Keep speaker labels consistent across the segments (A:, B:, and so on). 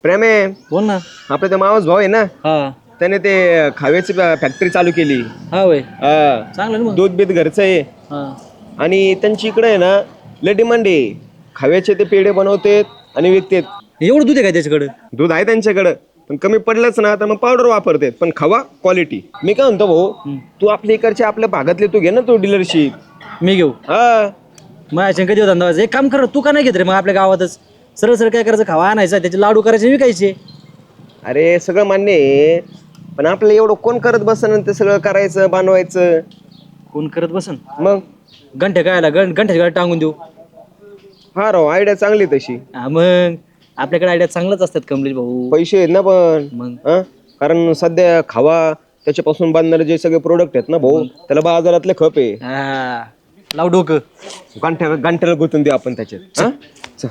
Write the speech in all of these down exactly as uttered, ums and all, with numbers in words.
A: प्रेम आहे.
B: बोल ना.
A: आपला ते मावस भाऊ आहे ना,
B: हा
A: त्याने ते खाव्याची फॅक्टरी चालू केली.
B: हा वय
A: हा.
B: चांगलं ना मग.
A: दूध बीत घरचं आहे.
B: हा
A: आणि त्यांची इकडे आहे ना लय डिमांड आहे. खाव्याचे ते पेढे बनवतात आणि विकतात.
B: एवढं दूध आहे का त्याच्याकडे?
A: दूध आहे त्यांच्याकडं, पण कमी पडलंच ना तर मग पावडर वापरतात, पण खवा क्वालिटी. मी काय म्हणतो भाऊ, तू आपल्या इकडच्या आपल्या भागातले तू घे ना तू डीलरशिप.
B: मी घेऊ
A: हा
B: माझ्या कधी धंदा व्हायचा. एक काम कर, तू का नाही घेत रे मग आपल्या गावातच? सरळ सरळ काय करायचं, खावा आणायचा, त्याचे लाडू करायचे, विकायचे.
A: अरे सगळं मान्य आहे, पण आपलं एवढं कोण करत बसन ते सगळं करायचं बनवायचं.
B: कोण करत बसन?
A: मग
B: गंठ्या कायला गण गंठ्याच्या गाडी टांगून देऊ.
A: हा राव, आयडिया चांगली तशी.
B: हा मग आपल्याकडे आयडिया चांगलाच असतात कमलेश भाऊ.
A: पैसे आहेत ना पण.
B: मग
A: हा कारण सध्या खावा त्याच्यापासून बनणारे जे सगळे प्रोडक्ट आहेत ना भाऊ, त्याला बाजारातले खप आहे.
B: हा लाव डोकं.
A: गांठ्या गांठ्याला गुंतून देऊ आपण त्याच्यात. हा? चल.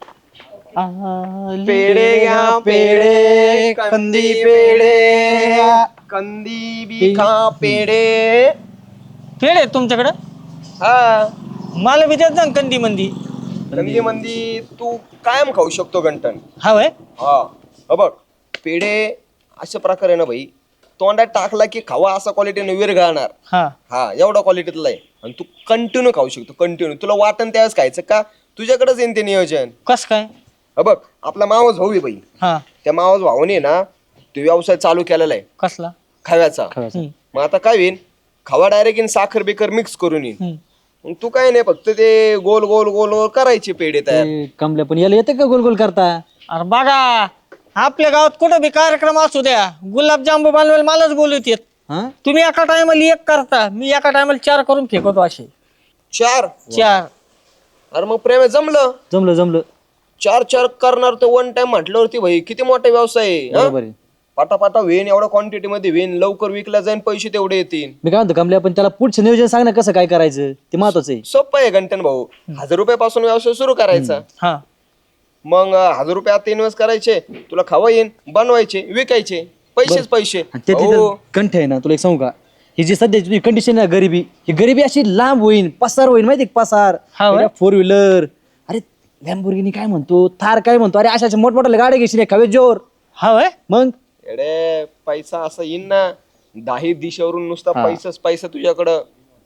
A: पेढे घ्या पेढे, कंदी पेढे, कंदी बी खा पेढे.
C: पेढे तुमच्याकडं?
A: हा
C: मला बी देत जा कंदी मंदी.
A: कंदी मंदी तू कायम खाऊ शकतो गंटन.
C: हवंय.
A: हा अ बघ, पेढे अशा प्रकारे ना भाई, तोंडात टाकला की खावा असा क्वालिटीने विरघळणार.
C: हा
A: हा एवढा क्वालिटीतला आहे. आणि तू कंटिन्यू खाऊ शकतो, कंटिन्यू. तुला वाटण त्यावेळेस खायचं का, तुझ्याकडेच येईन ते नियोजन.
C: कस काय?
A: अ बघ, आपला मावस भाऊ आहे बाई,
C: हा
A: त्या मावस भाऊने ना तो व्यवसाय चालू केलेला आहे
C: कसला?
A: खव्याचा.
C: हम्म,
A: मग आता काय होईन, खावा डायरेक्ट येईन साखर बिकर मिक्स करून येईन.
C: हम्म.
A: मग तू काय नाही, फक्त ते गोल गोल गोल गोल करायचे पेढे तयार.
B: ते कमल्या पण याला येते का गोल गोल करता?
C: अरे बघा, आपल्या गावात कुठं बी कार्यक्रम असू द्या, गुलाबजांबू बनवायला मलाच बोलवत येत.
B: हा
C: तुम्ही एका टायमाला एक करता, मी एका टायमाला चार करून फेकवतो असे.
A: चार?
C: चार.
A: अरे मग प्रेम आहे, जमलं.
B: जमलं जमलं.
A: चार चार करणार तर वन टाइम म्हटल्यावरती भाई किती मोठा व्यवसाय आहे. हा?
B: बरोबर आहे.
A: पाटापाटा वेन एवढ्या क्वांटिटी मध्ये वेन लवकर विकला जाईन, पैसे तेवढे येतील.
B: मी काय म्हणतो कमल्या, पण त्याला पुढचं नियोजन सांग ना, कसं काय करायचं ते महत्वाचं आहे.
A: सोपं आहे गंटन भाऊ. हजार रुपयापासून व्यवसाय सुरू करायचा.
C: हा
A: मग अं, हजार रुपये आता इन्व्हेस्ट करायचे, तुला खावा येईन, बनवायचे, विकायचे, पैसेच पैसे.
B: आणि त्यातली
A: हो.
B: तर कंठ आहे ना, तुला एक सांगू का, ही जी सध्याची तुझी कंडिशन आहे गरिबी, ही गरिबी अशी लांब होईल, पसार होईल, माहिती का पसार.
C: हा होय?
B: फोर व्हीलर, अरे लॅम्बोर्गिनी काय म्हणतो, थार काय म्हणतो, अरे अशा मोठमोठ्या गाड्या घेशील खावे जोर.
C: हवंय.
B: मग
A: एडे पैसा असा येईन ना, दाही दिशेवरून नुसता
B: हा.
A: पैसाच पैसा तुझ्याकडं.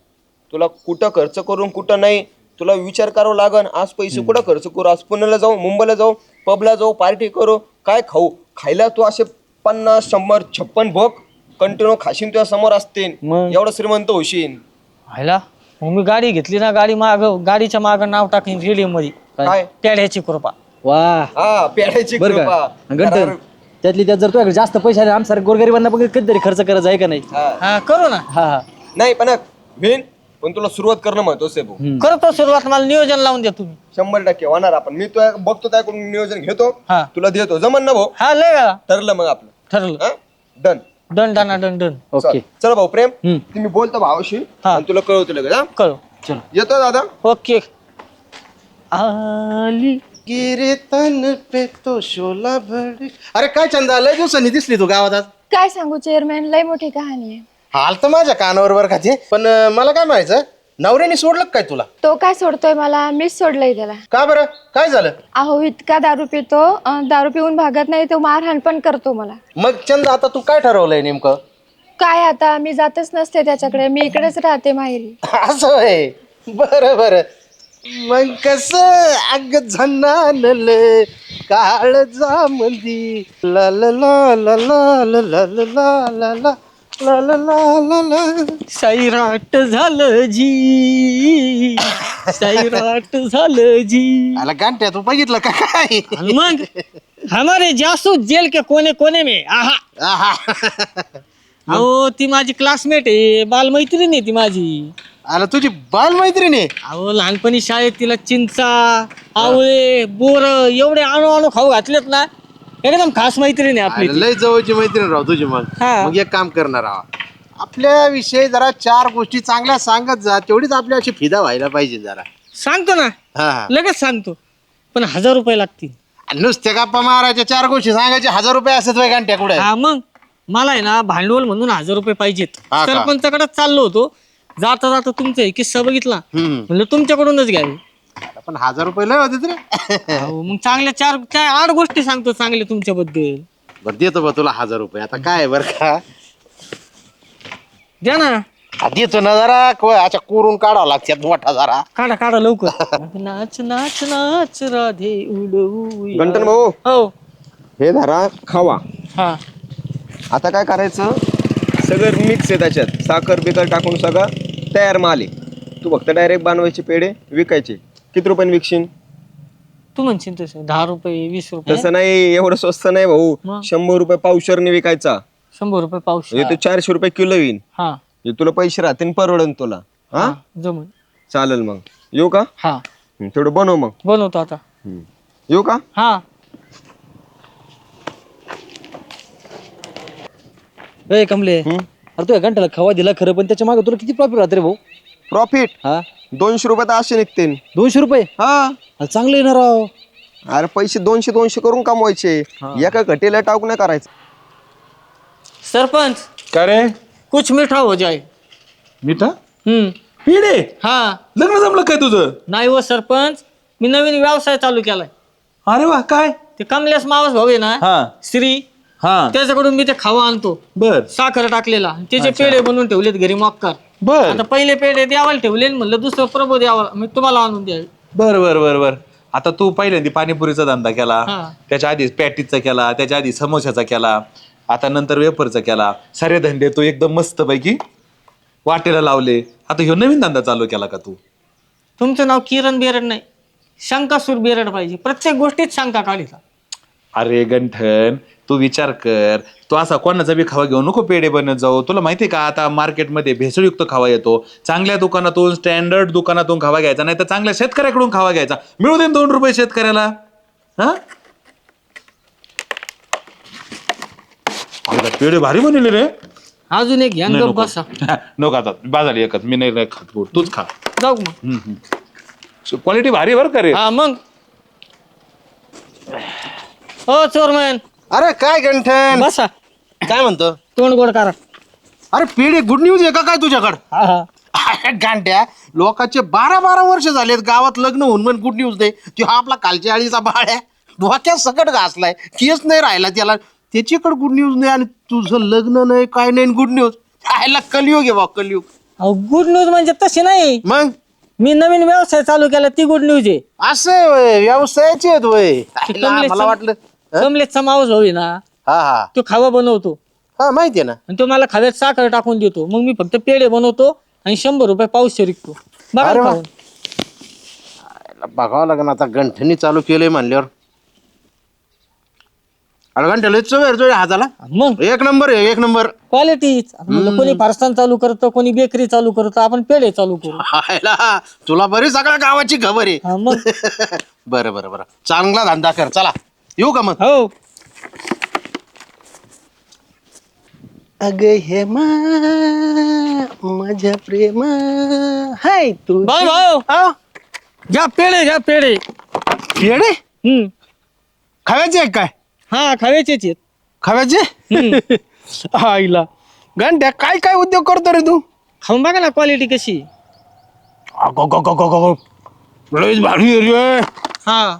A: तुला कुठं खर्च करून कुठं नाही, तुला विचार करावा लागन. आज पैसे कुठं खर्च करू, आज पुण्याला जाऊ, मुंबईला जाऊ, पबला जाऊ, पार्टी करू, काय खाऊ. खायला तू असे पन्नास शंभर छप्पन भोग कंटिन्यू खाशीन, तुझ्या समोर असतील,
B: मग?
A: एवढं श्रीमंत होशील.
C: व्हायला मग मी गाडी घेतली ना, गाडी माग गाडीच्या माग नाव टाकीन रेडिओ मध्ये,
A: काय?
C: पेढ्याची कृपा.
B: वा
A: हा पेढ्याची
B: बरं
A: कृपा.
B: का गंठन,
A: करार.
B: त्यातली त्यात जर तुझ्याकडे जास्त पैसे आले, आमसारख्या गोरगरिबांना पण कधीतरी खर्च करायचा आहे का नाही?
A: हा.
C: हा करू ना.
B: हा हा
A: नाही पण भेन, पण तुला सुरुवात करणं महत्वाचं आहे भाऊ.
B: हम्म.
C: करतो सुरुवात, मला नियोजन लावून द्या तुम्ही.
A: शंभर टक्के होणार. आपण मी तुला बघतो, त्याकडून नियोजन घेतो,
C: हा
A: तुला देतो. जमन ना भाऊ?
C: हा लय वेळा
A: ठरलं मग आपलं.
C: ठरलं.
A: हा done.
C: Done done done done.
B: Okay
A: चल भाऊ प्रेम,
B: हम्म.
A: तुम्ही बोलतो भावाशी
C: हा.
A: आणि तुला कळवतो लगेच. हा?
C: करू.
B: चलो.
A: येतो दादा.
C: ओके. आली
D: गिरे तन पे तो शोला भड. अरे काय चंदा, लय दिवसांनी दिसली तू गावात आज.
E: काय सांगू चेअरमॅन, लय मोठी कहाणी आहे.
D: हाल तर माझ्या कानावर वर खाते, पण अं, मला काय म्हणायचं, नवऱ्याने सोडलं का काय तुला?
E: तो काय सोडतोय मला, मीच सोडलंय त्याला.
D: का बरं, काय झालं?
E: अहो इतका दारू पितो, अं, दारू पिऊन भागत नाही तो, मारहाण पण करतो मला.
D: मग चंदा, आता तू काय ठरवलंय नेमकं?
E: काय आता, मी जातच नसते त्याच्याकडे, मी इकडेच राहते माहेरी.
D: असं आहे. बरं बरं. मग कस अग झनानल काळ जा मंदी ला ला ला ला ला ला ला ला ला ला ला ला ला ला ला ला.
C: सैराट झालं जी, सैराट झालं जी.
D: आला गांठ्या, तू बघितलं का काय?
C: आणि मग हमारे जासूस जेल के कोने कोने में. आहा.
D: आहा.
C: अहो ती माझी क्लासमेट आहे, बालमैत्रीण आहे ती माझी.
D: आला तुझी बाल मैत्रिणी?
C: अहो लहानपणी शाळेत तिला चिंचा, आवळे, बोर एवढे आणू आणू खाऊ घातलेत ना, एकदम खास मैत्रीण आहे आपली ती.
D: लय जवळची मैत्रीण राव तुझी. मग
C: हा.
D: मग एक काम करणार आहोत, आपल्या विषयी जरा चार गोष्टी चांगल्या सांगत जा, तेवढीच आपल्या अशी फिदा व्हायला पाहिजे जरा.
C: सांगतो ना,
D: हा हा.
C: लगेच सांगतो, पण हजार रुपये लागतील.
D: आणि नुसत्या गप्पा मारायच्या, चार गोष्टी सांगायच्या, हजार रुपये असत वय घंट्या कुठे?
C: हा मग मला आहे ना भांडवल म्हणून हजार रुपये पाहिजेत.
D: हा का?
C: सरपंचाकडेच चाललो होतो, जाता जाता तुमचा किस्सा बघितला,
D: हम्म.
C: म्हणलं तुमच्याकडूनच घ्यावे.
D: पण हजार रुपये लय होते रे.
C: अहो, मग चांगल्या चार चार आठ गोष्टी सांगतो चांगल्या तुमच्याबद्दल.
D: बरं देतो बा तुला हजार रुपये. आता काय आहे बरं का,
C: द्या ना.
D: हा, देतो ना जरा को- अच्छा कोरून काढावं लागतात मोठा जरा.
C: काढा काढा लवकर. नाच नाच नाच राधे उडवू या.
A: गंटन भाऊ
C: हो
A: हे धरा खावा.
C: हा
A: आता काय करायचं, सगळं मिक्स आहे त्याच्यात, साखर बिकर टाकून सगळं तयार माल आहे. तू फक्त डायरेक्ट बनवायचे पेढे विकायचे. किती रुपयाने विकशील?
C: तू म्हणशील तसं दहा रुपये वीस रुपये
A: तसं नाही, एवढं स्वस्त नाही भाऊ.
C: मग?
A: शंभर रुपये पावशरने विकायचा.
C: शंभर रुपये पाऊस.
A: म्हणजे ते चारशे रुपये किलो येईन.
C: हा
A: हे तुला पैसे राहतील, परवडन तुला. हा
C: जमून.
A: चालेल मग येऊ का?
C: हा
A: हं, तेवढं बनव मग.
C: बनवतो आता.
A: हं. येऊ का?
C: हा
B: ए कमले,
A: हं?
B: अरे तू घंट्याला खवा दिला खरं, पण त्याच्या मागे तुला किती प्रॉफिट राहते रे भाऊ?
A: प्रॉफिट
B: हा
A: दोनशे रुपये तर असे निघतील.
B: दोनशे रुपये
A: हा
B: अरे चांगलं येणार राव.
A: अरे पैसे दोनशे दोनशे करून कमवायचे. एका घटीला टाक नाही करायचं.
C: सरपंच
F: का रे
C: कुछ मीठा हो जाए.
F: मिठा
C: हम्म
F: पिढे
C: हा
F: लग्न जमलं काय तुझं?
C: नाही हो सरपंच, मी नवीन व्यवसाय चालू केलाय.
F: अरे वा काय?
C: ते कमलेश मावस भाऊ आहे ना
F: हा
C: श्री,
F: हा
C: त्याच्याकडून मी ते खावा आणतो,
F: बर
C: साखर टाकलेला. त्याचे पेढे बनवून ठेवलेत घरी मक्कार.
F: बर
C: आता पहिले पेढे द्यावाला ठेवले, म्हणलं दुसरं प्रभू द्यावा, मी तुम्हाला आणून द्यावे.
F: बर बर बर बर आता तू पहिल्यांदा पाणीपुरीचा धंदा केला,
C: हा.
F: त्याच्या आधी पॅटीचा केला, त्याच्या आधी समोशाचा केला, आता नंतर वेफरचा केला. सारे धंदे तू एकदम मस्त पैकी वाटेला लावले. आता ह्यो नवीन धंदा चालू केला का तू?
C: तुमचं नाव किरण बेरड नाही, शंकासूर बेरड पाहिजे. प्रत्येक गोष्टीत शंका काढिता.
F: अरे गंठन तू विचार कर, तू असा कोणाचा बी खावा घेऊ नको पेढे बनत जाऊ. तुला माहितीये का आता मार्केटमध्ये भेसळयुक्त खावा येतो. चांगल्या दुकानातून स्टँडर्ड दुकानातून खावा घ्यायचा, नाही तर चांगल्या शेतकऱ्याकडून खावा घ्यायचा. मिळू दे दोन रुपये शेतकऱ्याला. हा अरे, पेढे भारी बनवले रे.
C: अजून एक घ्या,
F: नाही,
C: गप
F: नको.
C: बसा.
F: नको आता बाजारी एकच मी नाही नाही खात पोट. तूच खा.
C: जाऊ मग.
F: क्वालिटी भारी बरं का रे.
C: हा मग. हो चोरमन
D: अरे काय गंठन,
C: बसा,
D: काय म्हणतो?
C: तोंड गोड करा.
D: अरे पेढे गुड न्यूज आहे का काय तुझ्याकडं?
C: हा हा
D: अरे गांड्या, लोकांचे बारा बारा वर्ष झालेत गावात लग्न होऊन पण गुड न्यूज दे. तो हा आपला कालच्या आळीचा बाळ आहे, डोक्यात सकट घासलाय, केस नाही राहिला त्याला, त्याच्याकडे गुड न्यूज नाही आणि तुझं लग्न नाही काय नाही गुड न्यूज. आयला कलियुग आहे बा, कलियुग.
C: अहो गुड न्यूज म्हणजे तशी नाही,
D: मग
C: मी नवीन व्यवसाय चालू केला ती गुड न्यूज आहे.
D: असं वय व्यवसायाचे आहेत वय. आयला,
C: कमलेशचा-
D: मला वाटलं हं?
C: कमलेशचा मावस भाऊ आहे ना,
D: हा हा
C: तो खावा बनवतो
D: हा माहितीये ना.
C: आणि तो मला खाव्यात साखर टाकून देतो. मग मी फक्त पेढे बनवतो आणि शंभर रुपये पाऊसशे विकतो. बघा
D: अरे वा.
C: खाऊन.
D: आयला, बघावं लागेल आता, गंठनी चालू केलंय म्हणल्यावर. अरे गंठन लय चव आहे रे तुझ्या हाताला,
C: मग
D: एक नंबर आहे, एक नंबर.
C: क्वालिटी. कोणी फारसान चालू करतं, कोणी बेकरी चालू करतं, आपण पेढे चालू करू.
D: आयला, तुला बरी सगळ्या गावाची खबर आहे.
C: हा, मग
D: बरं बरं बरं, चांगला धंदा कर. चला येऊ का मग?
C: हो.
D: अग हे माझ्या प्रेम हाय तू.
C: भाऊ भाऊ घ्या पेढे, घ्या पेढे.
D: पेढे
C: हम्म
D: खाव्याचे आहे काय?
C: हा खाव्याचेच आहेत.
D: खाव्याचे? आईला गंठ्या, काय काय उद्योग करतो रे तू?
C: खाऊन बघा ना क्वालिटी कशी.
D: अगो गो गो गो गो, लयच भारी आहे रे.
C: हा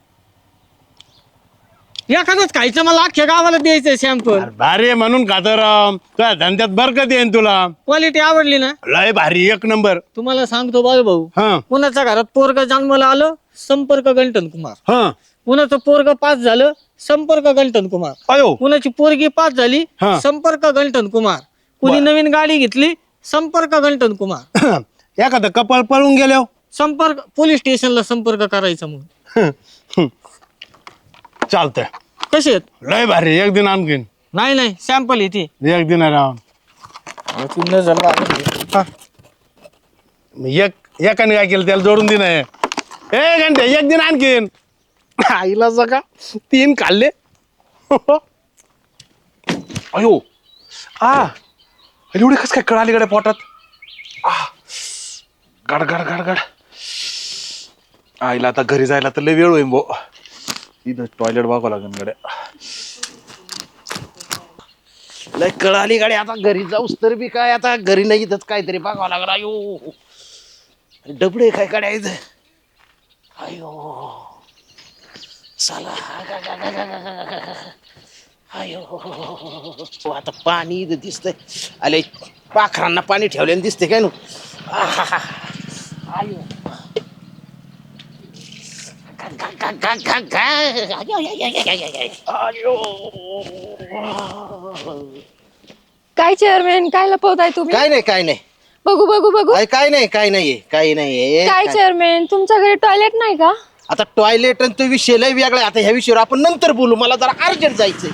C: एखादंच खायचं, मला अख्ख्या गावाला द्यायचंय सॅम्पल.
D: अरे भारी आहे म्हणून खातो राम, तुझ्या धंद्यात बरकत येईन तुला.
C: क्वालिटी आवडली ना,
D: लय भारी, एक नंबर.
C: तुम्हाला सांगतो बाळू भाऊ,
D: हा
C: कुणाच्या घरात पोरग जन्माला आलं, संपर्क गंटन कुमार.
D: हा
C: कुणाचं पोरग पास झालं, संपर्क गंटन कुमार.
D: अयो
C: कुणाची पोरगी पास झाली,
D: हा.
C: संपर्क गंटन कुमार. कुणी नवीन गाडी घेतली, संपर्क गंटन कुमार.
D: एखादं कपाळ पळून गेल्यावर
C: संपर्क पोलीस स्टेशनला संपर्क करायचा म्हणून.
D: चालतंय.
C: कसे आहेत?
D: लय भारी, एक दिन आणखीन.
C: नाही नाही सॅम्पल येते.
D: एक दिन राम, एक एकाने काय केलं त्याला जोडून दिन आहे. ए घंटे एक दिन आणखीन. आईला सका तीन खाल्ले.
F: अयो आ एवढे कस काय कळाली गड्या पोटात? आ, गड गड गड गड. आईला आता घरी जायला तर लय वेळ होईल भो. इथं टॉयलेट बघावं लागेल गड्या.
D: लय कळाली गाडी, आता घरी जाऊस तर बी काय, आता घरी नाही इथंच काहीतरी बघावं लागला. यो डबडे काय काढायचं. अयो चला अयो आता पाणी इथं दिसतंय. अले पाखरांना पाणी ठेवल्याने दिसते काय नु. आहाहा. अयो
E: काय चेअरमॅन काय लपवताय तुम्ही?
D: काय नाही काय नाही
E: बघू बघू बघू.
D: अय, काय नाही काय नाही काय नाही
E: काय चेअरमॅन तुमच्या घरी टॉयलेट नाही का?
D: आता टॉयलेट आणि तो विषय लय वेगळा आहे. आता ह्या विषयावर आपण नंतर बोलू. मला जरा अर्जंट जायचंय.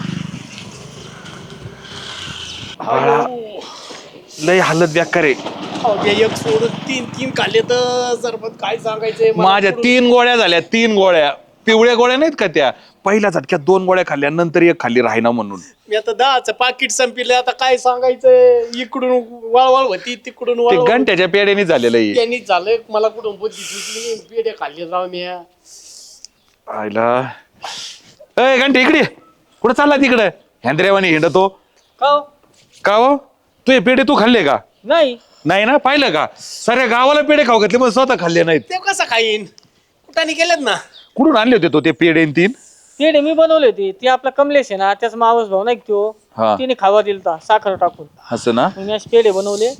F: लय हालत बेकार आहे.
G: एक सोडून तीन तीन खाल्ले तर सरबत काय सांगायचंय मला
F: माझ्या
G: पुढं-
F: तीन गोळ्या झाल्या, तीन गोळ्या पिवळ्या गोळ्या नाहीत का त्या, पहिल्या झटक्यात दोन गोळ्या खाल्ल्या, नंतर एक खाल्ली राहिना म्हणून.
G: मी आता दहाचं पाकिट संपले. आता काय सांगायचंय. इकडून वळवळ होती तिकडून
F: ते
G: वळवळ होती.
F: घंट्याच्या पेड्याने झालेलं आहे.
G: त्यांनी झालं मला कुठून बुद्धी सुचली. पेढे खाल्ले राव मी.
F: आयला ए घंटे इकडे कुठं चालला तिकडे हँद्रेवानी हिंडतो
C: का हो?
F: का हो तू हे पेढे तू खाल्ले का?
C: नाही
F: नाही ना, पाहिलं का साऱ्या गावाला पेढे खाऊ घातले पण स्वतः खाल्ले नाहीत.
G: ते कसं खाईन. कुठाने गेलेत ना.
F: कुठून आणले होते तो ते पेढे न तीन?
C: पेढे मी बनवले होते. ते आपला कमलेश आहे ना त्याचा मावस भाऊ नाही का तो,
F: हा.
C: तिने खावा दिलता साखर टाकून.
F: असं ना,
C: मग मी असे पेढे बनवले.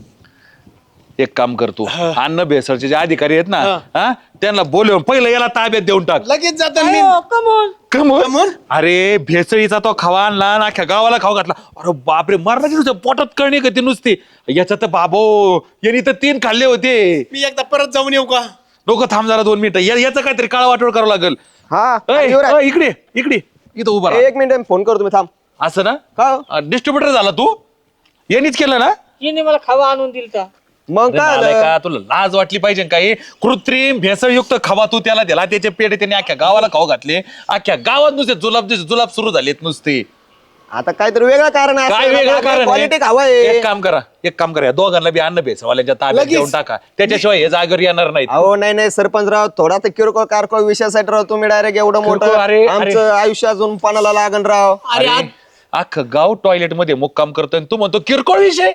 F: एक काम करतो, अन्न भेसळचे जे अधिकारी आहेत ना, हा त्यांना बोलवून पहिलं याला ताब्यात देऊन टाक.
G: लगेच जातो मी.
C: कमोन
F: कमून अरे भेसळीचा तो खावा आणला आणि अख्ख्या गावाला खाऊ घातला. अरे बापरे, मरणाची नुसतं पोटात कळणी का ती नुसती. याच्यात तर बाबो यांनी तर तीन खाल्ले होते.
G: मी एकदा परत जाऊन येऊ का?
F: लोक थांब जरा दोन मिनिटं, या- याचं काहीतरी काळ वाटोळ करावं लागेल.
A: हा
F: अय,
A: युवराज,
F: अय, इकडे इकडे इथं उभा राहा.
A: एक मिनिट फोन करतो मी, थांब.
F: असं ना,
A: का
F: डिस्ट्रीब्युटर झाला तू, यांनीच केलं ना.
C: तिने मला खावा आणून दिलता.
A: मग
F: अरे
A: काय
F: नालायक
A: झालं?
F: का, तुला लाज वाटली पाहिजे काही. कृत्रिम भेसळयुक्त खावा तू त्याला दिला, त्याचे पेढे त्यांनी अख्ख्या गावाला खाऊ घातले. अख्ख्या गावात नुसते जुलाब जुलाब सुरू झालेत नुसते.
A: आता काहीतरी वेगळं कारण आहे.
F: काय वेगळं कारण
A: क्वालिटी
F: आहे?
A: हवं
F: एक
A: आहे.
F: काम करा, एक काम करा, या दोघांना बी अन्न भेसवाल्यांच्या ताब्यात
G: लगेच.
F: देऊन टाका, त्याच्याशिवाय हे जागेवर येणार नाहीत.
A: अहो नाही नाही सरपंचराव, थोडा तर किरकोळ कारकोळ विषयासाठी राव तुम्ही डायरेक्ट एवढं
F: किरकोळ,
A: मोठं
F: अरे, अरे.
A: आमचं आयुष्य अजून पानाला लागण राव.
G: अरे
F: अरे, अख्खं गाव टॉयलेट मध्ये मुक्काम करतोय आणि तू म्हणतो किरकोळ विषय.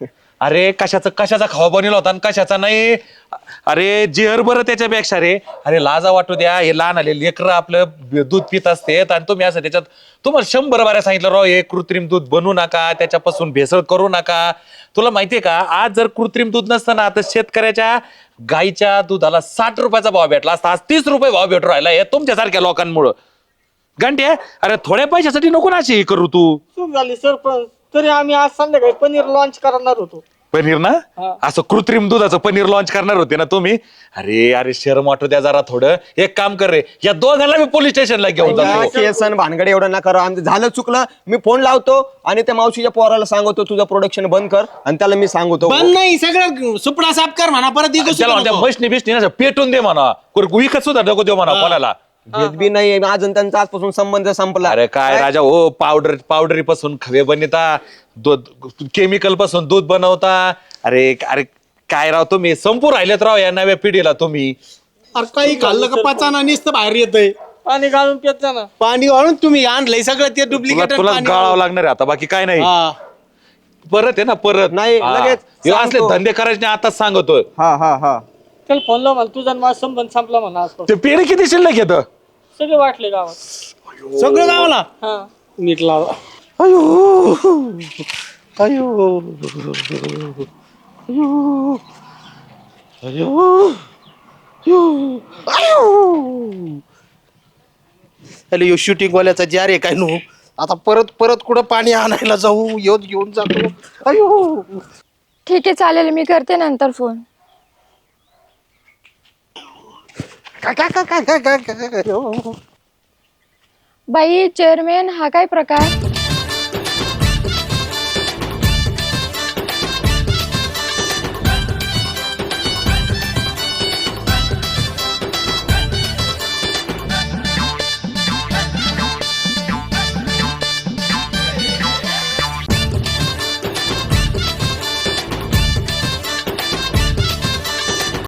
F: अरे कशाचा कशाचा खावा बनवला होता आणि कशाचा नाही. अरे जेहर बरं त्याच्यापेक्षा रे. अरे लाजा वाटू द्या, हे लहान आले लेकरं आपलं दूध पित असतेत आणि तुम्ही असं त्याच्यात, तुम्हाला शंभर बाऱ्या सांगितलं राव हे कृत्रिम दूध बनवू नका, त्याच्यापासून भेसळ करू नका. तुला माहितीये का, आज जर कृत्रिम दूध नसतं ना तर शेतकऱ्याच्या गाईच्या दुधाला साठ रुपयाचा भाव भेटला असता. आज तीस रुपये भाव भेटू राहिला हे तुमच्यासारख्या लोकांमुळं. घंटे अरे थोड्या पैशासाठी नको ना अशी हे करू तू.
C: चूक झाली सरपंच. तरी आम्ही आज संध्याकाळी पनीर लॉन्च करणार होतो.
F: पनीर ना, असं कृत्रिम दुधाचं पनीर लॉन्च करणार होते ना तुम्ही. अरे अरे शरम वाटू द्या जरा थोडं. एक काम कर रे, या दोघांना मी पोलीस स्टेशनला घेऊन जातो.
A: केसन भानगडे एवढं नका राव. आमचं झालं चुकलं, मी फोन लावतो आणि त्या मावशीच्या पोराला सांगतो तुझं प्रोडक्शन बंद कर, आणि त्याला मी सांगतो
G: बंद नाही, सगळं सुपडा साफ कर म्हणा. परत इथं
F: त्याला
G: सुद्धा
F: म्हणत्या
G: नको.
F: मशनी बिशनी ना पेटून दे म्हणा, विकत सुद्धा नको देऊ म्हणा कोणाला.
A: घेत बी नाही अजून, त्यांचा आजपासून संबंध संपला.
F: अरे काय राजा हो, पावडर पावडरी पासून खवे बनवता, दूध केमिकल पासून दूध बनवता. अरे अरे काय राव तुम्ही संपू राहिलेत राव या नव्या पिढीला तुम्ही.
G: अरे काही खाल्लं का पचाना नुसतं बाहेर येतंय.
C: पाणी घालून पित जा ना.
G: पाणी वाळून तुम्ही आणलंय सगळं ते
F: तुला
G: डुप्लिकेट.
F: तुला गाळावं लागणार आहे आता, बाकी काय नाही. परत आहे ना परत.
A: नाही,
F: हा.
A: लगेच
F: हे असले
A: सांगतो.
F: धंदे करायचे नाही, आताच सांगतोय.
A: हा हा हा
C: त्याला फोन लाव मला, तुझा आणि माझा संबंध संपला म्हणा आज.
F: ते पेढे किती शिल्लक येत?
C: सगळे वाटले गावात.
G: सगळं गावाला
C: हा
G: नीट लावा.
D: अयो अयो अयो अयो अयो अरे यो शूटिंग वाल्याचा जार आहे काय नु. आता परत परत कुठं पाणी आणायला जाऊ, येऊन घेऊन जातो. अयो
E: ठीक आहे चालेल, मी करते नंतर फोन.
D: काय काय काय काय काय काय काय
E: बाई चेअरमॅन हा काय प्रकार?